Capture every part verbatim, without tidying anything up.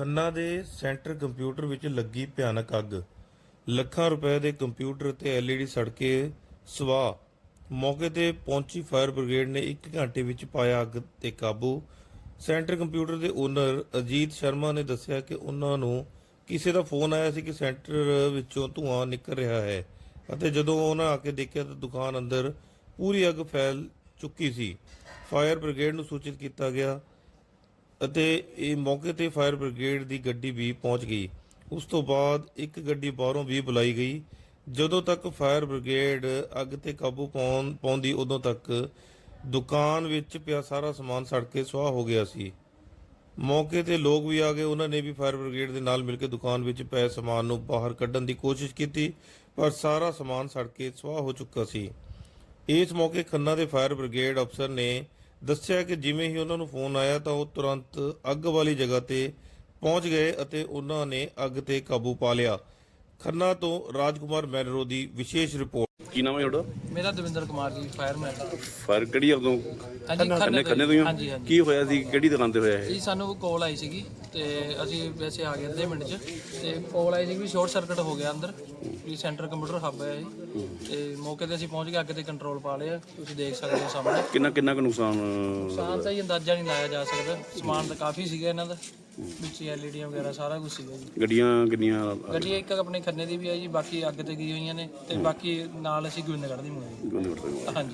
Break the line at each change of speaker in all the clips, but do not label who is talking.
ਖੰਨਾ ਦੇ centre computer ਵਿੱਚ ਲੱਗੀ ਭਿਆਨਕ ਅੱਗ। ਲੱਖਾਂ ਰੁਪਏ ਦੇ ਕੰਪਿਊਟਰ ਤੇ ਐਲ ਈ ਡੀ ਸੜ ਕੇ ਸਵਾਹ। ਮੌਕੇ ਤੇ ਪਹੁੰਚੀ ਫਾਇਰ ਬ੍ਰਿਗੇਡ ਨੇ ਇੱਕ ਘੰਟੇ ਵਿੱਚ ਪਾਇਆ ਅੱਗ ਤੇ ਕਾਬੂ। ਸੈਂਟਰ ਕੰਪਿਊਟਰ ਦੇ ਓਨਰ ਅਜੀਤ ਸ਼ਰਮਾ ਨੇ ਦੱਸਿਆ ਕਿ ਉਹਨਾਂ ਨੂੰ ਕਿਸੇ ਦਾ ਫੋਨ ਆਇਆ ਸੀ ਕਿ ਸੈਂਟਰ ਵਿੱਚੋਂ ਧੂੰਆਂ ਨਿਕਲ ਰਿਹਾ ਹੈ ਅਤੇ ਜਦੋਂ ਉਹਨਾਂ ਆ ਕੇ ਦੇਖਿਆ ਤਾਂ ਦੁਕਾਨ ਅੰਦਰ ਪੂਰੀ ਅੱਗ ਫੈਲ ਚੁੱਕੀ ਸੀ। ਫਾਇਰ ਬ੍ਰਿਗੇਡ ਨੂੰ ਸੂਚਿਤ ਕੀਤਾ ਗਿਆ ਅਤੇ ਇਹ ਮੌਕੇ ਤੇ ਫਾਇਰ ਬ੍ਰਿਗੇਡ ਦੀ ਗੱਡੀ ਵੀ ਪਹੁੰਚ ਗਈ। ਉਸ ਤੋਂ ਬਾਅਦ ਇੱਕ ਗੱਡੀ ਬਾਹਰੋਂ ਵੀ ਬੁਲਾਈ ਗਈ। ਜਦੋਂ ਤੱਕ ਫਾਇਰ ਬ੍ਰਿਗੇਡ ਅੱਗ ਤੇ ਕਾਬੂ ਪਾਉਣ ਪਾਉਂਦੀ ਉਦੋਂ ਤੱਕ ਦੁਕਾਨ ਵਿੱਚ ਪਿਆ ਸਾਰਾ ਸਮਾਨ ਸੜ ਕੇ ਸੁਆਹ ਹੋ ਗਿਆ ਸੀ। ਮੌਕੇ ਤੇ ਲੋਕ ਵੀ ਆ ਗਏ, ਉਹਨਾਂ ਨੇ ਵੀ ਫਾਇਰ ਬ੍ਰਿਗੇਡ ਦੇ ਨਾਲ ਮਿਲ ਕੇ ਦੁਕਾਨ ਵਿੱਚ ਪਏ ਸਮਾਨ ਨੂੰ ਬਾਹਰ ਕੱਢਣ ਦੀ ਕੋਸ਼ਿਸ਼ ਕੀਤੀ, ਪਰ ਸਾਰਾ ਸਮਾਨ ਸੜ ਕੇ ਸੁਆਹ ਹੋ ਚੁੱਕਾ ਸੀ। ਇਸ ਮੌਕੇ ਖੰਨਾ ਦੇ ਫਾਇਰ ਬ੍ਰਿਗੇਡ ਅਫਸਰ ਨੇ ਦੱਸਿਆ ਕਿ ਜਿਵੇਂ ਹੀ ਉਹਨਾਂ ਨੂੰ ਫੋਨ ਆਇਆ ਤਾਂ ਉਹ ਤੁਰੰਤ ਅੱਗ ਵਾਲੀ ਜਗ੍ਹਾ ਤੇ ਪਹੁੰਚ ਗਏ ਅਤੇ ਉਹਨਾਂ ਨੇ ਅੱਗ ਤੇ ਕਾਬੂ ਪਾ ਲਿਆ। ਖੰਨਾ ਤੋਂ ਰਾਜਕੁਮਾਰ ਮੈਨਰੋ ਦੀ ਵਿਸ਼ੇਸ਼ ਰਿਪੋਰਟ।
ਕੀ ਨਾਮ ਹੈ ਤੁਹਾਡਾ?
ਮੇਰਾ ਦਵਿੰਦਰ ਕੁਮਾਰ ਜੀ, ਫਾਇਰਮੈਨ।
ਫਾਇਰ ਕਿਹੜੀ ਉਦੋਂ
ਹਾਂਜੀ,
ਖੰਨੇ ਖੰਨੇ ਤੋਂ ਹੀ ਹੋ?
ਹਾਂਜੀ ਹਾਂਜੀ
ਕੀ ਹੋਇਆ ਸੀ, ਕਿਹੜੀ ਦੁਕਾਨ ਤੇ ਹੋਇਆ ਇਹ?
ਜੀ ਸਾਨੂੰ ਕਾਲ ਆਈ ਸੀਗੀ ਤੇ ਅਸੀਂ ਵੈਸੇ ਆ ਗਏ ਅੱਧੇ ਮਿੰਟ 'ਚ, ਤੇ ਕਾਲ ਆਈ ਸੀ ਵੀ ਸ਼ਾਰਟ ਸਰਕਟ ਹੋ ਗਿਆ ਅੰਦਰ, ਵੀ ਸੈਂਟਰ ਕੰਪਿਊਟਰ ਹੱਬ ਹੈ ਇਹ, ਤੇ ਮੌਕੇ ਤੇ ਅਸੀਂ ਪਹੁੰਚ ਕੇ ਅੱਗ ਤੇ ਕੰਟਰੋਲ ਪਾ ਲਿਆ। ਤੁਸੀਂ ਦੇਖ ਸਕਦੇ ਹੋ ਸਾਹਮਣੇ।
ਕਿੰਨਾ ਕਿੰਨਾ ਕੁ ਨੁਕਸਾਨ?
ਨੁਕਸਾਨ ਤਾਂ ਹੀ ਅੰਦਾਜ਼ਾ ਨਹੀਂ ਲਾਇਆ ਜਾ ਸਕਦਾ। ਸਮਾਨ ਤਾਂ ਕਾਫੀ ਸੀਗਾ ਇਹਨਾਂ ਦਾ, ਵਿੱਚ ਐਲ ਈ ਡੀਆਂ ਵਗੈਰਾ ਸਾਰਾ ਕੁਝ ਸੀਗਾ ਜੀ।
ਗੱਡੀਆਂ ਕਿੰਨੀਆਂ?
ਗੱਡੀ ਇੱਕ ਆਪਣੇ ਖੰਨੇ ਦੀ ਵੀ ਹੈ ਜੀ, ਬਾਕੀ ਅੱਗ ਤੇ ਗਈ ਹੋਈਆਂ ਨੇ, ਤੇ ਬਾਕੀ ਨਾਲ ਅਸੀਂ ਗੋਬਿੰਦਗੜ੍ਹ ਦੀ ਮੰਗਾਈ। ਹਾਂਜੀ।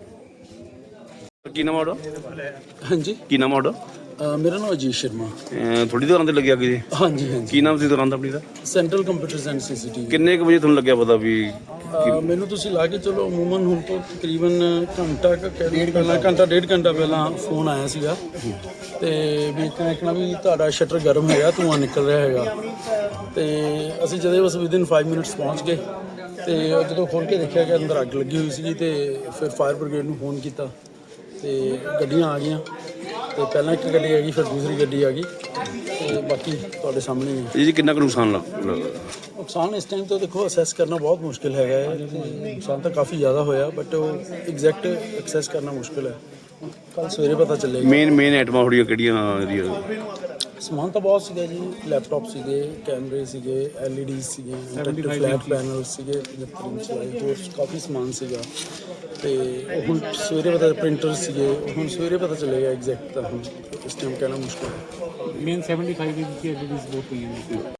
ਕੀ ਨਾਮ ਹੈ ਤੁਹਾਡਾ?
ਹਾਂਜੀ,
ਕੀ ਨਾਮ ਹੈ ਤੁਹਾਡਾ?
ਅ, ਮੇਰਾ ਨਾਮ ਅਜੀਤ ਸ਼ਰਮਾ।
ਅਹ ਥੋੜੀ ਦੁਕਾਨ ਤੇ ਲੱਗਿਆ ਕਿ
ਹਾਂਜੀ ਹਾਂਜੀ,
ਕੀ ਨਾਮ ਸੀ ਦੁਕਾਨ ਦਾ ਆਪਣੀ ਦਾ?
Central computers and C C T V.
ਕਿੰਨੇ ਕੁ ਵਜੇ ਤੁਹਾਨੂੰ ਲੱਗਿਆ ਪਤਾ ਵੀ?
ਮੈਨੂੰ ਤੁਸੀਂ ਲਾ ਕੇ ਚਲੋ ਅਮੂਮਨ ਹੁਣ ਤੋਂ ਤਕਰੀਬਨ ਘੰਟਾ ਕੁ ਕਹਿ ਲਓ ਪਹਿਲਾਂ, ਘੰਟਾ ਡੇਢ ਘੰਟਾ ਪਹਿਲਾਂ ਫੋਨ ਆਇਆ ਸੀਗਾ ਤੇ ਵੀ ਕਹਿਣਾ ਵੀ ਤੁਹਾਡਾ ਸ਼ਟਰ ਗਰਮ ਹੈਗਾ, ਧੂੰਆਂ ਨਿਕਲ ਰਿਹਾ ਹੈਗਾ। ਤੇ ਅਸੀਂ ਜਦੋਂ ਬਸ ਵਿਦਿਨ ਪੰਜ ਮਿੰਟਸ ਪਹੁੰਚ ਗਏ ਤੇ ਜਦੋਂ ਖੋਲ੍ਹ ਕੇ ਦੇਖਿਆ ਕਿ ਅੰਦਰ ਅੱਗ ਲੱਗੀ ਹੋਈ ਸੀਗੀ, ਤੇ ਫਿਰ ਫਾਇਰ ਬ੍ਰਿਗੇਡ ਨੂੰ ਫੋਨ ਕੀਤਾ ਤੇ ਗੱਡੀਆਂ ਆ ਗਈਆਂ। ਤੇ ਪਹਿਲਾਂ ਇੱਕ ਗੱਡੀ ਆ ਗਈ, ਫਿਰ ਦੂਸਰੀ ਗੱਡੀ ਆ ਗਈ, ਤੇ ਬਾਕੀ ਤੁਹਾਡੇ ਸਾਹਮਣੇ ਹੀ ਹੈ।
ਜੀ ਕਿੰਨਾ ਕੁ ਨੁਕਸਾਨ ਲੱਗ
ਨੁਕਸਾਨ ਇਸ ਟਾਈਮ ਤੋਂ ਦੇਖੋ ਅਸੈਸ ਕਰਨਾ ਬਹੁਤ ਮੁਸ਼ਕਿਲ ਹੈਗਾ ਹੈ। ਨੁਕਸਾਨ ਤਾਂ ਕਾਫੀ ਜ਼ਿਆਦਾ ਹੋਇਆ, ਬਟ ਉਹ ਐਗਜ਼ੈਕਟ ਐਕਸੈਸ ਕਰਨਾ ਮੁਸ਼ਕਿਲ ਹੈ। ਕੱਲ ਸਵੇਰੇ ਪਤਾ ਚੱਲੇਗਾ।
ਮੇਨ ਮੇਨ ਆਈਟਮਾਂ ਥੋੜੀਆਂ ਕਿਹੜੀਆਂ ਇਹਦੀਆਂ?
ਸਮਾਨ ਤਾਂ ਬਹੁਤ ਸੀਗਾ ਜੀ, ਲੈਪਟਾਪ ਸੀਗੇ, ਕੈਮਰੇ ਸੀਗੇ, ਐਲ ਈ ਡੀ ਸੀਗੇ, ਫਲੈਟ ਪੈਨਲ ਸੀਗੇ, ਪਜੱਤਰ ਇੰਚ ਵਾਲੇ, ਹੋਰ ਕਾਫੀ ਸਮਾਨ ਸੀਗਾ। ਤੇ ਉਹ ਹੁਣ ਸਵੇਰੇ ਪਤਾ, ਪ੍ਰਿੰਟਰ ਸੀਗੇ, ਹੁਣ ਸਵੇਰੇ ਪਤਾ ਚੱਲੇਗਾ ਐਗਜ਼ੈਕਟ, ਤਾਂ ਹੁਣ ਇਸ ਟਾਈਮ ਕਹਿਣਾ ਮੁਸ਼ਕਿਲ ਹੈ।
ਮੇਨ ਸੈਵਨਟੀ ਫਾਈਵ ਇੰਚ ਦੀ ਐਲ ਈ ਡੀਜ਼ ਬਹੁਤ ਪਈਆਂ ਨੇ।